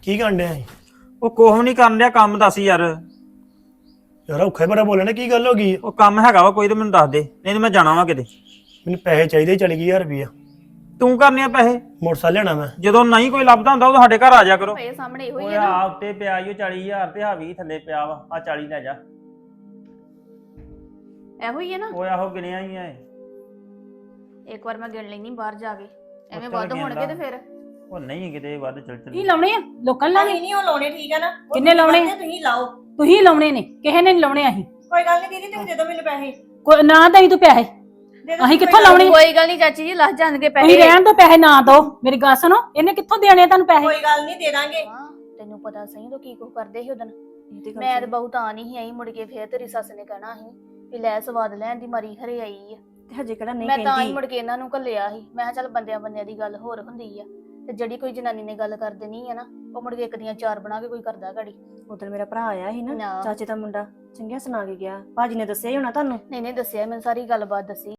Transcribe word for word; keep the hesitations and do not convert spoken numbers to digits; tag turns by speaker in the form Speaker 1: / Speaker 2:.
Speaker 1: ਕੀ ਕਰਨ ਡਿਆ ਸੀ?
Speaker 2: ਉਹ ਕੋਹ ਨਹੀਂ ਕਰਨ ਡਿਆ ਕੰਮ ਦੱਸ ਯਾਰ।
Speaker 1: ਯਾਰ ਔਖੇ ਬੜਾ ਬੋਲਣਾ, ਕੀ ਗੱਲ ਹੋ ਗਈ?
Speaker 2: ਉਹ ਕੰਮ ਹੈਗਾ ਵਾ ਕੋਈ ਤੇ ਮੈਨੂੰ ਦੱਸ ਦੇ, ਨਹੀਂ ਤੇ ਮੈਂ ਜਾਣਾ ਵਾ ਕਿਤੇ।
Speaker 1: ਮੈਨੂੰ ਪੈਸੇ ਚਾਹੀਦੇ, ਚਾਲੀ ਹਜ਼ਾਰ ਰੁਪਇਆ।
Speaker 2: ਤੂੰ ਕਰਨੇ ਆ ਪੈਸੇ?
Speaker 1: ਮੋਟਰਸਾਈਕਲ ਲੈਣਾ ਮੈਂ।
Speaker 2: ਜਦੋਂ ਨਹੀਂ ਕੋਈ ਲੱਭਦਾ ਹੁੰਦਾ ਉਹ ਸਾਡੇ ਘਰ ਆ ਜਾ ਕਰੋ।
Speaker 3: ਪਏ ਸਾਹਮਣੇ ਇਹੋ ਹੀ
Speaker 2: ਓਏ
Speaker 3: ਆ ਨਾ।
Speaker 2: ਆ ਉੱਤੇ ਪਿਆ ਈ ਓ ਚਾਲੀ ਹਜ਼ਾਰ ਤੇ ਹਾਵੀ ਥੱਲੇ ਪਿਆ ਵਾ, ਆ ਚਾਲੀ ਲੈ ਜਾ।
Speaker 3: ਇਹੋ ਹੀ ਆ ਨਾ।
Speaker 2: ਓਏ ਆਹੋ ਗਿਣਿਆ ਹੀ ਆ।
Speaker 3: ਇੱਕ ਵਾਰ ਮੈਂ ਗਿਣ ਲੈਣੀ ਬਾਹਰ ਜਾ ਕੇ, ਐਵੇਂ
Speaker 2: ਚੱਲ
Speaker 3: ਵੱਧ ਹੋਣਗੇ
Speaker 2: ਗਿਣ
Speaker 3: ਤੇ ਫਿਰ
Speaker 2: ਉਹ ਨਹੀਂ ਕਿਤੇ ਵੱਧ ਚੱਲ ਚੱਲ।
Speaker 4: ਕੀ ਲਾਉਣੇ ਆ ਲੋਕਾਂ ਲਾਉਣੇ?
Speaker 5: ਨਹੀਂ ਉਹ ਲਾਉਣੇ, ਠੀਕ ਆ ਨਾ। ਉਹ
Speaker 4: ਕਿੰਨੇ ਲਾਉਣੇ?
Speaker 5: ਤੁਸੀਂ ਲਾਓ।
Speaker 4: ਤੁਸੀਂ ਲਾਉਣੇ ਨੇ, ਕਿਸੇ ਨੇ ਨੀ ਲਾਉਣੇ। ਅਸੀਂ
Speaker 5: ਕੋਈ ਗੱਲ ਨਹੀਂ ਦੀਦੀ, ਤੁਸੀਂ ਦੇ ਦਿਓ ਮੈਨੂੰ ਪੈਸੇ।
Speaker 4: ਕੋਈ ਨਾ ਦਈ ਤੂੰ ਪੈਸੇ,
Speaker 5: ਦੇ ਦਿਓ
Speaker 4: ਅਸੀਂ
Speaker 5: ਕੋਈ
Speaker 4: ਕਿੱਥੋਂ
Speaker 5: ਗੱਲ
Speaker 4: ਲਾਉਣੇ?
Speaker 3: ਕੋਈ ਗੱਲ ਨਹੀਂ ਚਾਚੀ ਜੀ, ਲੱਗ ਜਾਣਗੇ
Speaker 4: ਤੁਸੀਂ
Speaker 3: ਪੈਸੇ।
Speaker 4: ਰਹਿਣ ਦੋ, ਪੈਸੇ ਨਾ ਦੋ। ਮੇਰੀ ਗੱਲ ਸੁਣੋ, ਇਹਨੇ ਕਿੱਥੋਂ ਦੇਣੇ ਤੁਹਾਨੂੰ ਪੈਸੇ?
Speaker 5: ਕੋਈ ਗੱਲ ਨਹੀਂ, ਦੇ ਦਾਂਗੇ।
Speaker 3: ਹਾਂ, ਤੈਨੂੰ ਪਤਾ ਸਹੀ ਤੂੰ ਕੀ ਕੁਝ ਕਰਦੇ ਸੀ ਉਦੋਂ। ਮੈਂ ਤੇ ਬਹੁਤ ਆ ਨਹੀਂ ਆਈ, ਮੁੜ ਕੇ ਫੇਰ ਤੇਰੀ ਸੱਸ ਨੇ ਕਹਿਣਾ ਸੀ ਵੀ ਲੈ ਸਵਾਦ ਲੈਣ ਦੀ ਮਾਰੀ ਖਰੇ ਆਈ ਆ।
Speaker 5: ਤੇ ਹਜੇ ਕਿਹੜਾ ਨਹੀਂ
Speaker 3: ਮੈਂ ਤਾਂ ਹੀ
Speaker 5: ਕਹਿੰਦੀ।
Speaker 3: ਮੁੜ ਕੇ ਇਹਨਾਂ ਨੂੰ ਘੱਲਿਆ ਸੀ। ਮੈਂ ਕਿਹਾ ਚੱਲ ਬੰਦਿਆਂ ਬੰਦਿਆਂ ਦੀ ਗੱਲ ਹੋਰ ਹੁੰਦੀ ਆ, ਤੇ ਜਿਹੜੀ ਕੋਈ ਜਨਾਨੀ ਨੇ ਗੱਲ ਕਰ ਦੇਣੀ ਆ ਨਾ, ਉਹ ਮੁੜ ਕੇ ਇੱਕ ਦੀਆਂ ਚਾਰ ਬਣਾ ਕੇ ਕੋਈ ਕਰਦਾ ਘੜੀ।
Speaker 5: ਉਧਰ ਮੇਰਾ ਭਰਾ ਆਇਆ ਸੀ ਨਾ,
Speaker 3: ਨਾ।
Speaker 5: ਚਾਚੇ ਦਾ ਮੁੰਡਾ, ਚੰਗਿਆ ਸੁਣਾ ਕੇ ਗਿਆ। ਭਾਜੀ ਨੇ ਦੱਸਿਆ ਹੀ ਹੋਣਾ ਤੁਹਾਨੂੰ।
Speaker 3: ਨਹੀਂ ਨਹੀਂ ਦੱਸਿਆ, ਮੈਨੂੰ ਸਾਰੀ ਗੱਲਬਾਤ ਦੱਸੀ।